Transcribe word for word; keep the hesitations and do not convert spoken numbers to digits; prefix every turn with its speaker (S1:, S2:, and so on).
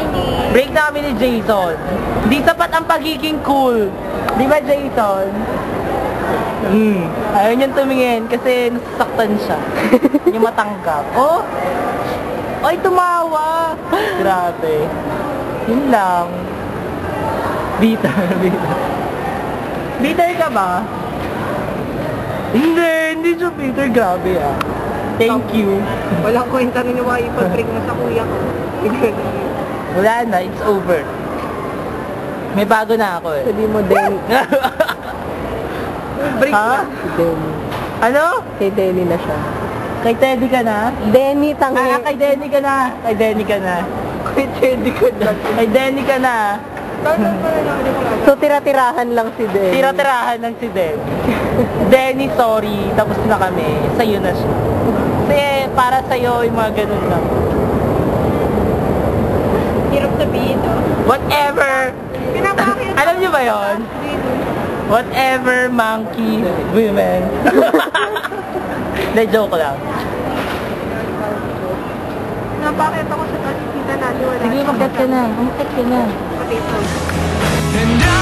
S1: Chinese.
S2: Break na kami ni Jason. Di sapat ang pagiging cool. Di ba, Jason? Hmm. Ayaw niyang tumingin kasi nasasaktan siya. Yung matanggap. Oh! Ay, tumawa! Grabe. Yun lang. Bitter, bitter. Bitter ka ba? Hindi, hindi siya bitter. Grabe ah. Thank you.
S1: Walang kwenta rin yung mga ipag-break mo sa kuya ko.
S2: Wala na, it's over. May bago na ako eh.
S1: Sabi mo, Denny. Break
S2: Ha?
S1: na. Denny.
S2: Ano?
S1: Kay Denny na siya.
S2: Kay Teddy ka na?
S1: Denny, tangi.
S2: Ah, kay Denny ka na. Kay Denny ka na.
S1: Kay Denny ka na.
S2: Kay Denny ka na.
S1: So, tira-tirahan lang si Denny.
S2: Tira-tirahan ng si Denny. Denny, sorry. Tapos na kami. Sa'yo na siya. Kasi para sa'yo yung mga ganun lang.
S1: Hirap sabihin, no?
S2: Whatever.
S1: Pinapakit.
S2: Alam niyo ba yon? Whatever monkey women. Na joke lang.
S1: Napakit ako sa kasi kita natin.
S2: Sige, magkat ka na. Magkat ka na.
S1: Potato.
S3: And I